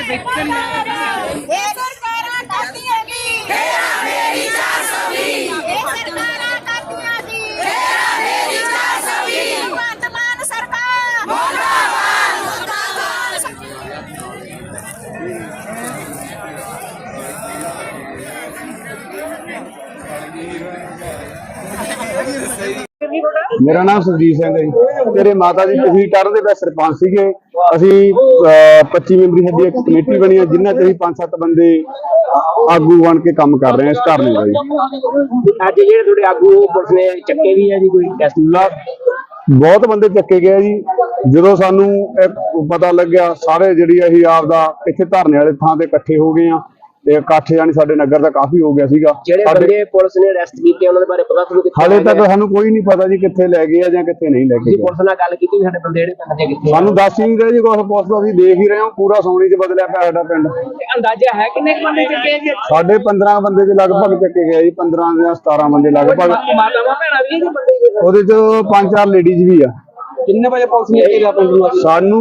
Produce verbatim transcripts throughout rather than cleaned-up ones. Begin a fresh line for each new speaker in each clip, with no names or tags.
मेरा नाम सुरजीत सिंह है जी। मेरे माता जी पिछली टर्म के सरपंच सीगे। असी पच्ची मैंबरी साडी एक कमेटी बनी है जिन्हें अभी पांच सत्त बंदे आगू बन के काम कर रहे हैं इस धरने का जी।
आगू पुलिस ने चक्के भी है जी कोई
बहुत बंदे चक्के गए जी। जो सानू पता लग्या सारे जी अं आपदा इत्थे धरने वाले थां ते इकट्ठे हो गए हैं। इकट्ठ यानी साडे नगर का काफी हो गया सीगा।
पुलिस ने अरेस्ट किए उन्हां दे बारे पता तुहानू कित्थे?
हाले तक सानू कोई नहीं पता जी कित्थे लै गए जां कित्थे नहीं लै गए।
पुलिस नाल गल कीती साडे बंदे जिहड़े पिंड दे कित्थे?
सानू दस ही नहीं रहे जी कुछ। पुलिस दा असीं देख ही रहे हां पूरा सोनी च बदलिया पिया साडा पिंड।
अंदाजा है किन्ने बंदे चक्के गए?
साडे पंद्रह बंदे दे लगभग चक्के गए जी। पंद्रह जां सतारह बंदे लगभग।
मातावां भैणां भी जी बंदे
ओहदे च पांच चार लेडीज भी आ।
किन्ने बजे पुलिस ने घेरा पिंड नूं?
सानू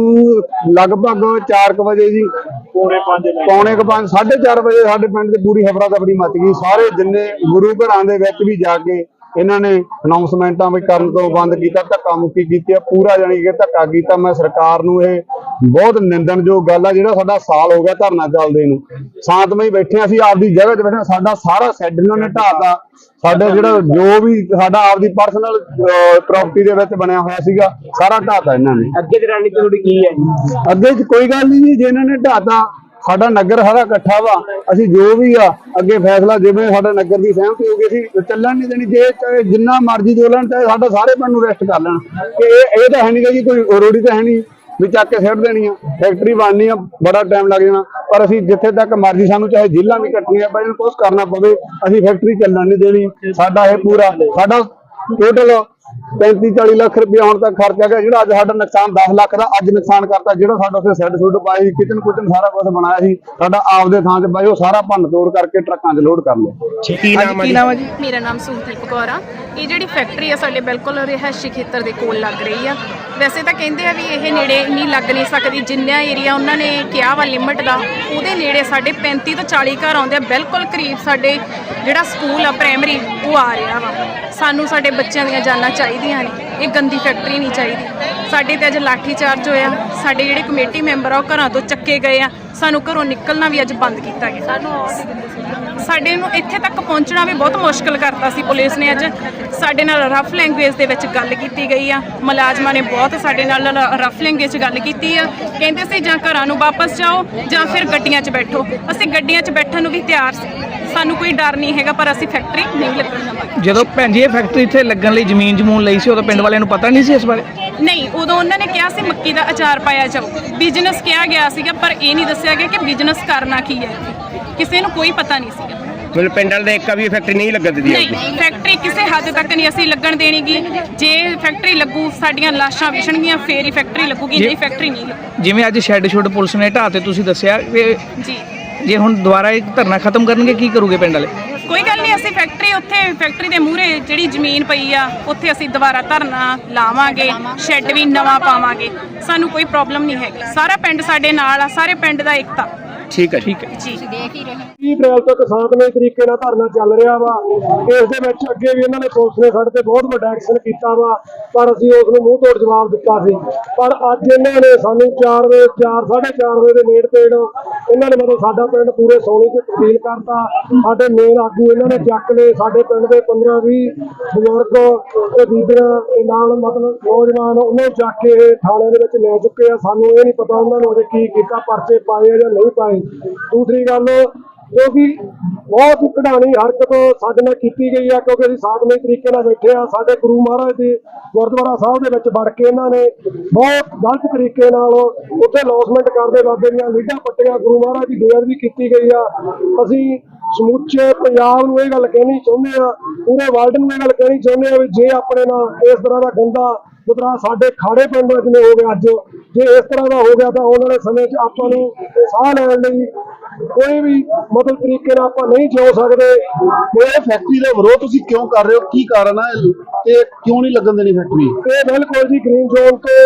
लगभग चार क बजे जी पौने पांच पौने क पांच साढ़े चार बजे साडे पिंड ते पूरी हफड़ा दफड़ी मच गई। सारे जिन्ने गुरु घरां दे विच भी जाके इन्होंने अनाउंसमेंटा भी करन तो बंद किया, धक्का मुक्की की पूरा जानी कि धक्का किया। मैं सरकार नूं ये बहुत निंदणयोग गल है। जिहड़ा साडा साल हो गया धरना चलदे नूं शांतमई बैठे असीं आपदी जगह ते बैठे। साडा सारा सैड इन्होंने ढाता। साडा जिहड़ा जो भी साडा आपदी पर्सनल प्रॉपर्टी दे विच बनिया होया सीगा सारा ढाता इन्होंने।
अगे दी रणनीति तुहाडी की है जी?
अगे कोई गल नहीं जी। जे इन्होंने ढाता साडा नगर सारा इकट्ठा वा। असीं जो भी आ अगे फैसला जिवें साडे नगर की सहमति होगी असीं चलण नहीं देनी। जे चाहे जिन्ना मर्जी चलन चाहे साडा सारे पिंड नूं अरेस्ट कर लैण कि ये तो है नहीं जी कोई रोड़ी तो है नहीं भी चक के सिट देनी आ। फैक्ट्री बननी आ बड़ा टाइम लग जाना पर असीं जिथे तक मर्जी सानूं चाहे जेलां भी कट्टणियां पैण कुछ करना पवे असीं फैक्ट्री चलण नहीं देनी। साडा ये पूरा साडा टोटल पैंती चाली लाख रुपया हुण तक खर्चा गया। जिहड़ा अज साडा नुकसान दस लाख का अज नुकसान करता। जिहड़ा साडा उत्थे सैड सुड पाई किचन कुचन सारा कुछ बनाया सी साडा आपदे थां ते बाई वो सारा भन्न तोड़ करके ट्रकां 'च लोड कर लिया।
की नाम है जी?
मेरा नाम सुहदीप कौर आ। ये जिहड़ी फैक्ट्री है साडे बिल्कुल रिहायशी खेतर दे कोल लग रही है। वैसे तो कहते हैं भी ये नेड़े नहीं लग नहीं सकती। जिन्ना एरिया उन्होंने कहा वा लिमिट का वो नेड़े साढ़े पैंती तो चाली घर आते बिल्कुल करीब साढ़े जिहड़ा स्कूल आ प्राइमरी वो आ रहा वा। सानू साढ़े बच्चों दी जाना चाहिए ने। ये गंदी फैक्ट्री नहीं चाहिए। साढ़े ते अज लाठी चार्ज होया। साढ़े जिहड़े कमेटी मैंबर आ घरों तो चक्के गए आ। सानू घरों निकलना भी अज बंद किया गया। साडे नूं इत्थे तक पहुंचना भी बहुत मुश्किल करता सी। पुलिस ने अज साडे नाल रफ लैंगुएज दे विच गल कीती गई आ। मुलाजमां ने बहुत साडे नाल रफ लैंगुएज गल कीती आ। कहंदे सी जां घरां नूं वापस जाओ जां फिर गड्डियां 'च बैठो। असीं गड्डियां 'च बैठण नूं भी तैयार सी। सानू कोई डर नहीं हैगा पर असीं फैक्ट्री नहीं लगण देवांगे।
ਜਦੋਂ ਭੈਣ ਜੀ ਇਹ ਫੈਕਟਰੀ ਇੱਥੇ ਲੱਗਣ ਲਈ ਜ਼ਮੀਨ ਜਮੂਨ ਲਈ ਸੀ ਉਦੋਂ ਪਿੰਡ ਵਾਲਿਆਂ ਨੂੰ ਪਤਾ ਨਹੀਂ ਸੀ ਇਸ ਬਾਰੇ?
ਨਹੀਂ ਉਦੋਂ ਉਹਨਾਂ ਨੇ ਕਿਹਾ ਸੀ ਮੱਕੀ ਦਾ ਅਚਾਰ ਪਾਇਆ ਜਾਓ। ਬਿਜ਼ਨਸ ਕਿਹਾ ਗਿਆ ਸੀਗਾ ਪਰ ਇਹ ਨਹੀਂ ਦੱਸਿਆ ਗਿਆ ਕਿ ਬਿਜ਼ਨਸ ਕਰਨਾ ਕੀ ਹੈ। ਕਿਸੇ ਨੂੰ ਕੋਈ ਪਤਾ ਨਹੀਂ ਸੀਗਾ।
मतलब पिंड वाले एक भी फैक्ट्री नहीं लगन दी?
नहीं फैक्ट्री किसी हद तक नहीं असीं लगन देणीगी। जे फैक्ट्री लगू साडियां लाशां विछणगीਆਂ ਫੇਰ ਹੀ फैक्ट्री लगूगी। नहीं फैक्ट्री नहीं लगू।
ਜਿਵੇਂ ਅੱਜ ਸ਼ੈੱਡ ਸ਼ੁੱਡ ਪੁਲਿਸ ਨੇ ਢਾਹ ਤੇ ਤੁਸੀਂ ਦੱਸਿਆ
ਜੀ
ਜੇ ਹੁਣ ਦੁਬਾਰਾ ਇਹ ਧਰਨਾ ਖਤਮ ਕਰਨਗੇ ਕੀ ਕਰੋਗੇ ਪਿੰਡ ਵਾਲੇ?
ਕੋਈ ਗੱਲ ਨਹੀਂ ਅਸੀਂ ਫੈਕਟਰੀ ਉੱਥੇ ਫੈਕਟਰੀ ਦੇ ਮੂਹਰੇ ਜਿਹੜੀ ਜ਼ਮੀਨ ਪਈ ਆ ਉੱਥੇ ਅਸੀਂ ਦੁਬਾਰਾ ਧਰਨਾ ਲਾਵਾਂਗੇ। ਸ਼ੈੱਡ ਵੀ ਨਵਾਂ ਪਾਵਾਂਗੇ। ਸਾਨੂੰ ਕੋਈ ਪ੍ਰੋਬਲਮ ਨਹੀਂ ਹੈਗੀ। ਸਾਰਾ ਪਿੰਡ ਸਾਡੇ ਨਾਲ ਆ। ਸਾਰੇ ਪਿੰਡ ਦਾ ਏਕਤਾ।
ठीक है
ठीक है
जी देख ही रहे
तीह अप्रैल तक शांतमई तरीके नाल धरना चल रहा वा। इस दे विच अगे भी इन्होंने पुलिस ने साडे ते बहुत वड्डा एक्शन कीता वा पर असीं उस नूं मूंह तोड़ जवाब दिता सी। पर अज इन्होंने सानूं चार बजे चार साढ़े चार बजे दे नेड़ तेड़ इन्होंने मतलब साडा पिंड पूरे सोनी च तब्दील करता। साडे मेन आगू इन्होंने चक ले साडे पिंड दे पंद्रह बीह बजुर्ग ते बीबियां दे नाल मतलब नौजवान उन्होंने चक के थाणे दे विच ले चुके आ। सानूं ये नहीं पता उन्होंने अजे की कीता परचे पाए जां नहीं पाए। दूसरी गल जो कि बहुत कढ़ानी हरकत साडे नाल कीती गई है क्योंकि असीं शांतमई तरीके नाल बैठे आ। साडे गुरु महाराज दे गुरुद्वारा साहब दे विच वड़ के इन्हां ने बहुत गलत तरीके नाल उत्थे लॉसमेंट करदे बाबे दीयां लीडां पट्टियां गुरु महाराज की बेअदबी कीती गई आ। असीं समूचे पंजाब नूं इह गल कहनी चाहुंदे आ पूरे वर्ल्ड नूं इह गल कहनी चाहुंदे आ भी जे अपने नाल इस तरह दा गंदा मतलब साडे खाड़े पिंड जिवें हो गया अज जे इस तरह का हो गया तो आने वाले समय च आपां नूं साह लैण लई कोई भी मतलब तरीके नाल आपां नहीं जिउ सकदे।
ਇਹ फैक्ट्री का विरोध तुसीं क्यों कर रहे हो? की कारण है ते क्यों नहीं लगन देनी फैक्ट्री?
ये बिल्कुल जी ग्रीन जोन तो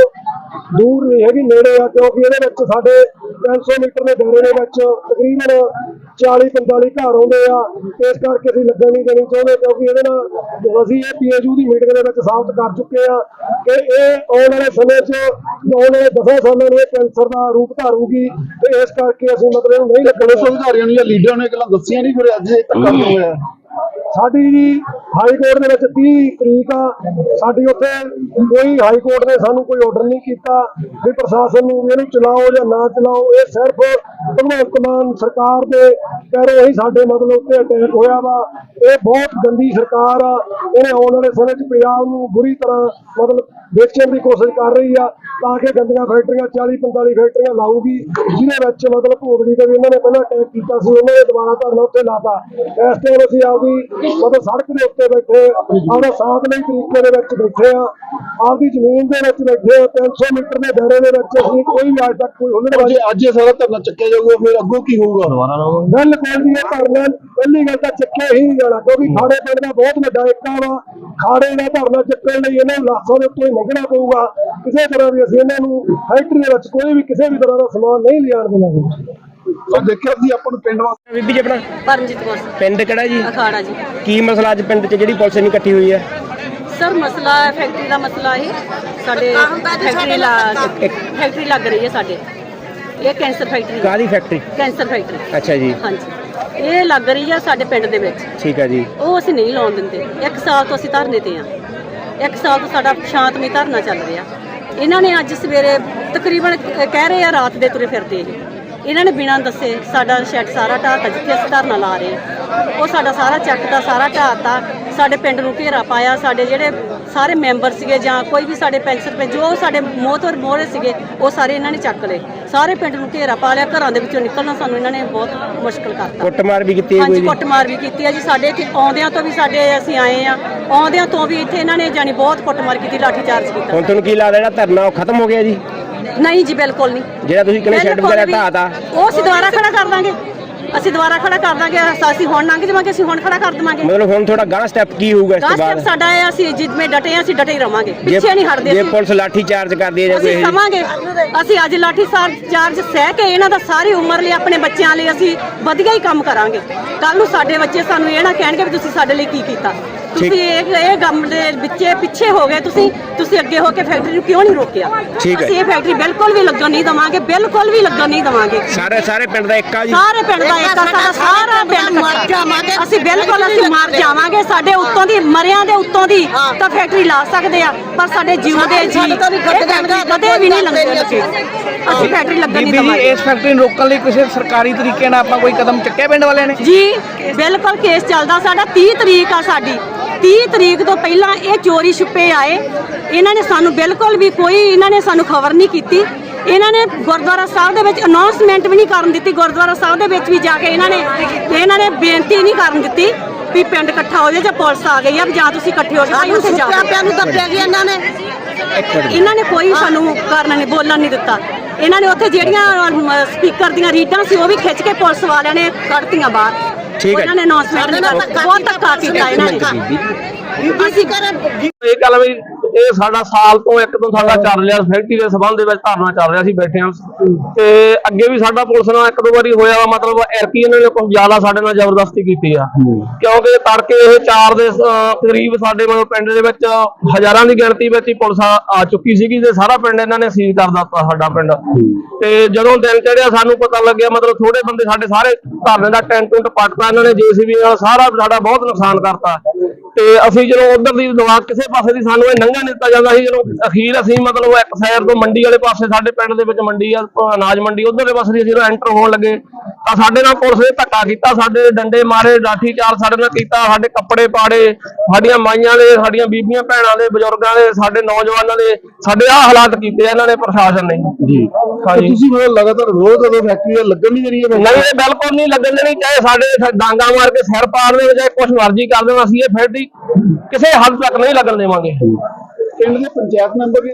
ਦੂਰ ਨਹੀਂ ਹੈਗੀ, ਨੇੜੇ ਆ, ਕਿਉਂਕਿ ਇਹਦੇ ਵਿੱਚ ਸਾਡੇ ਤਿੰਨ ਸੌ ਮੀਟਰ ਦੇ ਦਾਇਰੇ ਦੇ ਵਿੱਚ ਤਕਰੀਬਨ ਚਾਲੀ ਪੰਤਾਲੀ ਘਰ ਆਉਂਦੇ ਆ। ਇਸ ਕਰਕੇ ਅਸੀਂ ਲੱਗਣ ਨਹੀਂ ਦੇਣੀ ਚਾਹੁੰਦੇ, ਕਿਉਂਕਿ ਇਹਦੇ ਨਾਲ ਅਸੀਂ ਇਹ ਪੀ ਐਚ ਯੂ ਦੀ ਮੀਟਿੰਗ ਦੇ ਵਿੱਚ ਸਾਬਤ ਕਰ ਚੁੱਕੇ ਆ ਕਿ ਇਹ ਆਉਣ ਵਾਲੇ ਸਮੇਂ 'ਚ ਆਉਣ ਵਾਲੇ ਦਸਾਂ ਸਾਲਾਂ ਨੂੰ ਇਹ ਕੈਂਸਰ ਦਾ ਰੂਪ ਧਾਰੂਗੀ, ਤੇ ਇਸ ਕਰਕੇ ਅਸੀਂ ਮਤਲਬ ਇਹਨੂੰ ਨਹੀਂ ਲੱਗਣ
ਪੁਲਿਸ ਅਧਿਕਾਰੀਆਂ ਨੂੰ ਜਾਂ ਲੀਡਰਾਂ ਨੂੰ ਇਹ ਗੱਲਾਂ ਦੱਸੀਆਂ ਨਹੀਂ, ਫਿਰ ਅੱਜ ਇਹ ਧੱਕਾ ਕਿਉਂ ਹੋਇਆ?
ਸਾਡੀ ਜੀ ਹਾਈ ਕੋਰਟ ਦੇ ਵਿੱਚ ਤੀਹ ਤਰੀਕ ਆ, ਸਾਡੀ ਉੱਥੇ ਕੋਈ ਹਾਈ ਕੋਰਟ ਨੇ ਸਾਨੂੰ ਕੋਈ ਆਰਡਰ ਨਹੀਂ ਕੀਤਾ ਵੀ ਪ੍ਰਸ਼ਾਸਨ ਨੂੰ ਵੀ ਇਹਨੂੰ ਚਲਾਓ ਜਾਂ ਨਾ ਚਲਾਓ। ਇਹ ਸਿਰਫ ਭਗਵੰਤ ਮਾਨ ਸਰਕਾਰ ਦੇ ਪੈਰੋਂ ਹੀ ਸਾਡੇ ਮਤਲਬ ਉੱਤੇ ਅਟੈਕ ਹੋਇਆ ਵਾ। ਇਹ ਬਹੁਤ ਗੰਦੀ ਸਰਕਾਰ ਆ, ਇਹਨੇ ਆਉਣ ਵਾਲੇ ਸਮੇਂ 'ਚ ਪੰਜਾਬ ਨੂੰ ਬੁਰੀ ਤਰ੍ਹਾਂ ਮਤਲਬ ਵੇਚਣ ਦੀ ਕੋਸ਼ਿਸ਼ ਕਰ ਰਹੀ ਆ, ਤਾਂ ਕਿ ਗੰਦੀਆਂ ਫੈਕਟਰੀਆਂ ਚਾਲੀ ਪੰਤਾਲੀ ਫੈਕਟਰੀਆਂ ਲਾਊਗੀ, ਜਿਹਦੇ ਵਿੱਚ ਮਤਲਬ ਭੋਗੜੀ ਤੇ ਵੀ ਇਹਨਾਂ ਨੇ ਪਹਿਲਾਂ ਅਟੈਕ ਕੀਤਾ ਸੀ, ਉਹਨਾਂ ਨੇ ਦੁਬਾਰਾ ਧਰਨਾ ਉੱਥੇ ਲਾਤਾ। ਇਸ ਟਾਈਮ ਅਸੀਂ ਆਪਦੀ ਮਤਲਬ ਸੜਕ ਦੇ ਉੱਤੇ ਬੈਠੇ ਆਪਣਾ ਸ਼ਾਂਤਮਈ ਤਰੀਕੇ ਦੇ ਵਿੱਚ ਬੈਠੇ ਆ, ਆਪਦੀ ਜ਼ਮੀਨ ਦੇ ਵਿੱਚ ਬੈਠੇ ਆ, ਤਿੰਨ ਸੌ ਮੀਟਰ ਦੇ ਦਾਇਰੇ ਦੇ ਵਿੱਚ ਅਸੀਂ ਕੋਈ ਵੀ ਅੱਜ ਤੱਕ ਕੋਈ ਹੁਲੜਬਾਜ਼ੀ
ਜੇ ਅੱਜ ਇਹ ਸਾਰਾ ਧਰਨਾ ਚੱਕਿਆ ਜਾਊਗਾ, ਫਿਰ ਅੱਗੋਂ ਕੀ ਹੋਊਗਾ?
ਬਿਲਕੁਲ ਜੀ, ਇਹ ਧਰਨਾ ਪਹਿਲੀ ਗੱਲ ਤਾਂ ਚੱਕਿਆ ਹੀ ਨਹੀਂ ਜਾਣਾ, ਕਿਉਂਕਿ ਖਾੜੇ ਪਿੰਡ ਦਾ ਬਹੁਤ ਵੱਡਾ ਏਕਾ ਵਾ। ਖਾੜੇ ਦਾ ਧਰਨਾ ਚੱਕਣ ਲਈ ਇਹਨਾਂ ਨੂੰ ਲਾਸਾਂ ਦੇ ਉੱਤੋਂ ਹੀ ਲੰਘਣਾ ਪਊਗਾ। ਕਿਸੇ ਤਰ੍ਹਾਂ ਵੀ ਅਸੀਂ ਇਹਨਾਂ ਨੂੰ ਫੈਕਟਰੀ ਦੇ ਵਿੱਚ ਕੋਈ ਵੀ ਕਿਸੇ ਵੀ ਤਰ੍ਹਾਂ ਦਾ ਸਮਾਨ ਨਹੀਂ ਲਿਆਉਣ ਦੇਵਾਂਗੇ।
ਸੋ ਦੇਖਿਆ ਸੀ ਆਪਾਂ ਨੂੰ ਪਿੰਡ ਵਾਸਤੇ
ਬੀਬੀ ਜੀ ਆਪਣਾ
ਪਰਮਜੀਤ ਕੌਰ
ਪਿੰਡ ਕਿਹੜਾ ਜੀ?
ਅਖਾੜਾ ਜੀ।
ਕੀ ਮਸਲਾ ਅੱਜ ਪਿੰਡ 'ਚ ਜਿਹੜੀ ਪੁਲਿਸ ਨਹੀਂ ਇਕੱਠੀ ਹੋਈ ਹੈ?
ਸਰ ਮਸਲਾ ਹੈ ਫੈਕਟਰੀ ਦਾ ਮਸਲਾ ਇਹ ਸਾਡੇ ਫੈਕਟਰੀ ਲਾ ਫੈਕਟਰੀ ਲੱਗ ਰਹੀ ਹੈ ਸਾਡੇ, ਇਹ ਕੈਂਸਰ ਫੈਕਟਰੀ
ਕਾਹਦੀ ਫੈਕਟਰੀ?
Cancer factory.
ਅੱਛਾ ਜੀ।
ਹਾਂਜੀ, ਇਹ ਲੱਗ ਰਹੀ ਹੈ ਸਾਡੇ ਪਿੰਡ ਦੇ ਵਿੱਚ।
ਠੀਕ ਹੈ ਜੀ।
ਉਹ ਅਸੀਂ ਨਹੀਂ ਲਾਉਣ ਦਿੰਦੇ। ਇੱਕ ਸਾਲ ਤੋਂ ਅਸੀਂ ਧਰਨੇ ਤੇ ਆ, ਇੱਕ ਸਾਲ ਤੋਂ ਸਾਡਾ ਸ਼ਾਂਤਮਈ ਧਰਨਾ ਚੱਲ ਰਿਹਾ। ਇਹਨਾਂ ਨੇ ਅੱਜ ਸਵੇਰੇ ਤਕਰੀਬਨ ਕਹਿ ਰਹੇ ਆ ਰਾਤ ਦੇ ਤੁਰੇ ਫਿਰਦੇ ਇਹ ਇਹਨਾਂ ਨੇ ਬਿਨਾਂ ਦੱਸੇ ਸਾਡਾ ਸ਼ੈੱਡ ਸਾਰਾ ਢਾਹਤਾ, ਜਿੱਥੇ ਅਸੀਂ ਧਰਨਾ ਲਾ ਰਹੇ ਉਹ ਸਾਡਾ ਸਾਰਾ ਚੱਕਦਾ, ਸਾਰਾ ਢਾਹਤਾ, ਸਾਡੇ ਪਿੰਡ ਨੂੰ ਘੇਰਾ ਪਾਇਆ। ਸਾਡੇ ਜਿਹੜੇ ਸਾਰੇ ਮੈਂਬਰ ਸੀਗੇ ਜਾਂ ਕੋਈ ਵੀ ਸਾਡੇ ਪੈਨਸ਼ਨ ਪੇ ਜੋ ਸਾਡੇ ਮੋਹਤਵਰ ਮੋਹਰੇ ਸੀਗੇ ਉਹ ਸਾਰੇ ਇਹਨਾਂ ਨੇ ਚੱਕ ਲਏ, ਸਾਰੇ ਪਿੰਡ ਨੂੰ ਘੇਰਾ ਪਾ ਲਿਆ। ਘਰਾਂ ਦੇ ਵਿੱਚੋਂ ਨਿਕਲਣਾ ਸਾਨੂੰ ਇਹਨਾਂ ਨੇ ਬਹੁਤ ਮੁਸ਼ਕਲ ਕਰਤਾ।
ਕੁੱਟਮਾਰ ਵੀ ਕੀਤੀ ਹੈ
ਹਾਂਜੀ,
ਕੋਈ?
ਕੁੱਟਮਾਰ ਵੀ ਕੀਤੀ ਹੈ ਜੀ। ਸਾਡੇ ਇੱਥੇ ਆਉਂਦਿਆਂ ਤੋਂ ਵੀ ਸਾਡੇ ਅਸੀਂ ਆਏ ਆ, ਆਉਂਦਿਆਂ ਤੋਂ ਵੀ ਇੱਥੇ ਇਹਨਾਂ ਨੇ ਜਾਨੀ ਬਹੁਤ ਕੁੱਟਮਾਰ ਕੀਤੀ, ਲਾਠੀ ਚਾਰਜ ਕੀਤਾ।
ਹੁਣ ਤੁਹਾਨੂੰ ਕੀ ਲੱਗਦਾ ਜਿਹੜਾ ਧਰਨਾ ਉਹ ਖਤਮ ਹੋ ਗਿਆ ਜੀ?
ਨਹੀਂ ਜੀ, ਬਿਲਕੁਲ ਨਹੀਂ।
ਜਿਹੜਾ ਤੁਸੀਂ ਕਹਿੰਦੇ ਸ਼ੈੱਡ ਵਗੈਰਾ ਢਾਹਤਾ
ਉਹ ਅਸੀਂ ਦੁਬਾਰਾ ਖੜਾ ਕਰ ਦਾਂਗੇ, ਅਸੀਂ ਦੁਬਾਰਾ ਖੜਾ ਕਰ ਦਾਂਗੇ। ਅਸੀਂ ਹੁਣ ਲੰਘ ਜਾਵਾਂਗੇ, ਅਸੀਂ ਹੁਣ ਖੜਾ ਕਰ ਦੇਵਾਂਗੇ।
ਮਤਲਬ ਹੁਣ ਤੁਹਾਡਾ ਗਾਂ ਸਟੈਪ ਕੀ ਹੋਊਗਾ ਇਸ ਤੋਂ
ਗਾਂ
ਬਾਅਦ?
ਸਟੈਪ ਸਾਡਾ ਹੈ, ਅਸੀਂ ਜਿੱਦਵੇਂ ਡਟੇ ਆ, ਅਸੀਂ ਡਟੇ ਹੀ ਰਵਾਂਗੇ, ਪਿੱਛੇ ਨਹੀਂ ਹਟਦੇ।
ਜੇ
ਅਸੀਂ
ਪੁਲਿਸ ਲਾਠੀ ਚਾਰਜ ਕਰਦੀ ਹੈ ਜਾਂ ਕੋਈ
ਅਸੀਂ ਸਮਾਂਗੇ, ਅਸੀਂ ਅੱਜ ਲਾਠੀ ਚਾਰਜ ਸਹਿ ਕੇ ਇਹਨਾਂ ਦਾ ਸਾਰੀ ਉਮਰ ਲਈ ਆਪਣੇ ਬੱਚਿਆਂ ਲਈ ਅਸੀਂ ਵਧੀਆ ਹੀ ਕੰਮ ਕਰਾਂਗੇ। ਕੱਲ ਨੂੰ ਸਾਡੇ ਬੱਚੇ ਸਾਨੂੰ ਇਹ ਨਾ ਕਹਿਣਗੇ ਵੀ ਤੁਸੀਂ ਸਾਡੇ ਲਈ ਕੀ ਕੀਤਾ। ਤੁਸੀਂ ਇਹ ਇਹ ਕੰਮ ਦੇ ਵਿੱਚੇ ਪਿੱਛੇ ਹੋ ਗਏ, ਤੁਸੀਂ ਤੁਸੀਂ ਅੱਗੇ ਹੋ ਕੇ ਫੈਕਟਰੀ ਨੂੰ ਕਿਉਂ ਨਹੀਂ ਰੋਕਿਆ? ਅਸੀਂ ਇਹ ਫੈਕਟਰੀ ਬਿਲਕੁਲ ਵੀ ਲੱਗਣ ਨਹੀਂ ਦਵਾਂਗੇ, ਬਿਲਕੁਲ ਵੀ ਲੱਗਣ ਨਹੀਂ ਦਵਾਂਗੇ।
ਸਾਰੇ ਸਾਰੇ ਪਿੰਡ ਦਾ ਇੱਕਾ ਜੀ?
ਸਾਰੇ ਪਿੰਡ ਦਾ ਇੱਕਾ, ਸਾਡਾ ਸਾਰਾ ਪਿੰਡ ਮਰ ਜਾਵਾਂਗੇ ਅਸੀਂ, ਬਿਲਕੁਲ ਅਸੀਂ ਮਰ ਜਾਵਾਂਗੇ। ਸਾਡੇ ਉੱਤੋਂ ਦੀ ਮਰਿਆਂ ਦੇ ਉੱਤੋਂ ਦੀ ਤਾਂ ਫੈਕਟਰੀ ਲਾ ਸਕਦੇ ਆ, ਪਰ ਸਾਡੇ ਜਿਉਂਦੇ ਜੀ ਕਦੇ ਵੀ ਨਹੀਂ ਲੱਗਦੇ। ਅਸੀਂ ਫੈਕਟਰੀ ਲੱਗਣ ਨਹੀਂ
ਬੀਬੀ ਜੀ,
ਦਵਾਂਗੇ।
ਇਸ ਫੈਕਟਰੀ ਨੂੰ ਰੋਕਣ ਲਈ ਕਿਸੇ ਸਰਕਾਰੀ ਤਰੀਕੇ ਨਾਲ ਆਪਾਂ ਕੋਈ ਕਦਮ ਚੱਕਿਆ ਪਿੰਡ ਵਾਲਿਆਂ ਨੇ?
ਜੀ ਬਿਲਕੁਲ, ਕੇਸ ਚੱਲਦਾ ਸਾਡਾ। ਤੀਹ ਤਰੀਕ ਆ ਸਾਡੀ, ਤੀਹ ਤਰੀਕ ਤੋਂ ਪਹਿਲਾਂ ਇਹ ਚੋਰੀ ਛੁਪੇ ਆਏ। ਇਹਨਾਂ ਨੇ ਸਾਨੂੰ ਬਿਲਕੁਲ ਵੀ ਕੋਈ ਇਹਨਾਂ ਨੇ ਸਾਨੂੰ ਖਬਰ ਨਹੀਂ ਕੀਤੀ। ਇਹਨਾਂ ਨੇ ਗੁਰਦੁਆਰਾ ਸਾਹਿਬ ਦੇ ਵਿੱਚ ਅਨਾਉਂਸਮੈਂਟ ਵੀ ਨਹੀਂ ਕਰਨ ਦਿੱਤੀ। ਗੁਰਦੁਆਰਾ ਸਾਹਿਬ ਦੇ ਵਿੱਚ ਵੀ ਜਾ ਕੇ ਇਹਨਾਂ ਨੇ ਇਹਨਾਂ ਨੇ ਬੇਨਤੀ ਨਹੀਂ ਕਰਨ ਦਿੱਤੀ ਵੀ ਪਿੰਡ ਇਕੱਠਾ ਹੋ ਜਾਏ ਜਾਂ ਪੁਲਿਸ ਆ ਗਈ ਆ ਜਾਂ ਤੁਸੀਂ ਇਕੱਠੇ ਹੋ ਜਾਓ। ਉੱਥੇ ਜਾ ਕੇ ਨੂੰ ਦੱਬਿਆ ਗਿਆ ਇਹਨਾਂ ਨੇ। ਇਹਨਾਂ ਨੇ ਕੋਈ ਸਾਨੂੰ ਕਰਨ ਨਹੀਂ, ਬੋਲਣ ਨਹੀਂ ਦਿੱਤਾ। ਇਹਨਾਂ ਨੇ ਉੱਥੇ ਜਿਹੜੀਆਂ ਸਪੀਕਰ ਦੀਆਂ ਰੀਡਾਂ ਸੀ ਉਹ ਵੀ ਖਿੱਚ ਕੇ ਪੁਲਿਸ ਵਾਲਿਆਂ ਨੇ ਕੱਢਤੀਆਂ ਬਾਹਰ।
ਠੀਕ ਹੈ,
ਇਹਨਾਂ ਨੇ ਅਨਾਉਂਸਮੈਂਟ ਬਹੁਤ ਧੱਕਾ ਕੀਤਾ ਇਹਨਾਂ ਨੇ। ਅਸੀਂ
ਇਹ ਗੱਲ ਵੀ ਇਹ ਸਾਡਾ ਸਾਲ ਤੋਂ ਇੱਕ ਤੋਂ ਸਾਡਾ ਚੱਲ ਰਿਹਾ ਫੈਕਟਰੀ ਦੇ ਸੰਬੰਧ ਦੇ ਵਿੱਚ ਧਰਨਾ ਚੱਲ ਰਿਹਾ ਸੀ, ਬੈਠੇ ਹਾਂ। ਤੇ ਅੱਗੇ ਵੀ ਸਾਡਾ ਪੁਲਿਸ ਨਾਲ ਇੱਕ ਦੋ ਵਾਰੀ ਹੋਇਆ ਵਾ, ਮਤਲਬ ਐਰਕੀ ਇਹਨਾਂ ਨੇ ਕੁਝ ਜ਼ਿਆਦਾ ਸਾਡੇ ਨਾਲ ਜ਼ਬਰਦਸਤੀ ਕੀਤੀ ਆ, ਕਿਉਂਕਿ ਤੜਕੇ ਇਹ ਚਾਰ ਦੇ ਕਰੀਬ ਸਾਡੇ ਮਤਲਬ ਪਿੰਡ ਦੇ ਵਿੱਚ ਹਜ਼ਾਰਾਂ ਦੀ ਗਿਣਤੀ ਵਿੱਚ ਹੀ ਪੁਲਿਸ ਆ ਚੁੱਕੀ ਸੀਗੀ ਤੇ ਸਾਰਾ ਪਿੰਡ ਇਹਨਾਂ ਨੇ ਸੀਲ ਕਰ ਦਿੱਤਾ ਸਾਡਾ ਪਿੰਡ। ਤੇ ਜਦੋਂ ਦਿਨ ਚੜਿਆ ਸਾਨੂੰ ਪਤਾ ਲੱਗਿਆ, ਮਤਲਬ ਥੋੜੇ ਬੰਦੇ ਸਾਡੇ ਸਾਰੇ ਧਰਨੇ ਦਾ ਟੈਂਟ ਟੁੰਟ ਪੱਟਤਾ ਇਹਨਾਂ ਨੇ, ਜੇਸੀਬੀ ਨਾਲ ਸਾਰਾ ਸਾਡਾ ਬਹੁਤ ਨੁਕਸਾਨ ਕਰਤਾ। ਤੇ ਅਸੀਂ ਜਦੋਂ ਉਧਰ ਦੀ ਦਵਾ ਕਿਸੇ ਪਾਸੇ ਦੀ ਸਾਨੂੰ ਇਹ ਨੰਗਾ ਦਿੱਤਾ ਜਾਂਦਾ ਸੀ, ਜਦੋਂ ਅਖੀਰ ਅਸੀਂ ਮਤਲਬ ਇੱਕ ਸਾਈਡ ਤੋਂ ਮੰਡੀ ਵਾਲੇ ਪਾਸੇ ਸਾਡੇ ਪਿੰਡ ਦੇ ਵਿੱਚ ਮੰਡੀ ਆ ਅਨਾਜ ਮੰਡੀ, ਉਧਰਲੇ ਪਾਸੇ ਦੀ ਜਦੋਂ ਐਂਟਰ ਹੋਣ ਲੱਗੇ ਤਾਂ ਸਾਡੇ ਨਾਲ ਪੁਲਿਸ ਨੇ ਧੱਕਾ ਕੀਤਾ, ਸਾਡੇ ਡੰਡੇ ਮਾਰੇ, ਲਾਠੀ ਚਾਰਜ ਸਾਡੇ ਨਾਲ ਕੀਤਾ, ਸਾਡੇ ਕੱਪੜੇ ਪਾੜੇ, ਸਾਡੀਆਂ ਮਾਈਆਂ ਦੇ, ਸਾਡੀਆਂ ਬੀਬੀਆਂ ਭੈਣਾਂ ਦੇ, ਬਜ਼ੁਰਗਾਂ ਦੇ, ਸਾਡੇ ਨੌਜਵਾਨਾਂ ਦੇ ਸਾਡੇ ਆਹ ਹਾਲਾਤ ਕੀਤੇ ਇਹਨਾਂ ਨੇ ਪ੍ਰਸ਼ਾਸਨ ਨੇ ਜੀ। ਹਾਂਜੀ,
ਤੁਸੀਂ ਮਤਲਬ ਲਗਾਤਾਰ ਰੋਜ਼ ਜਦੋਂ ਫੈਕਟਰੀ ਲੱਗਣ ਨਹੀਂ ਦੇ ਰਹੀ ਹੈ?
ਨਹੀਂ, ਇਹ ਬਿਲਕੁਲ ਨਹੀਂ ਲੱਗਣ ਦੇਣੀ। ਚਾਹੇ ਸਾਡੇ ਡਾਂਗਾ ਮਾਰ ਕੇ ਸਿਰ ਪਾੜ ਦੇ, ਚਾਹੇ ਕੁਛ ਮਰਜ਼ੀ ਕਰ ਦੇਣ, ਅਸੀਂ ਇਹ ਫੈਕਟਰੀ ਕਿਸੇ ਹੱਦ ਤੱਕ ਨਹੀਂ ਲੱਗਣ ਦੇਵਾਂਗੇ।
ਪਿੰਡ ਦੇ ਪੰਚਾਇਤ ਮੈਂਬਰ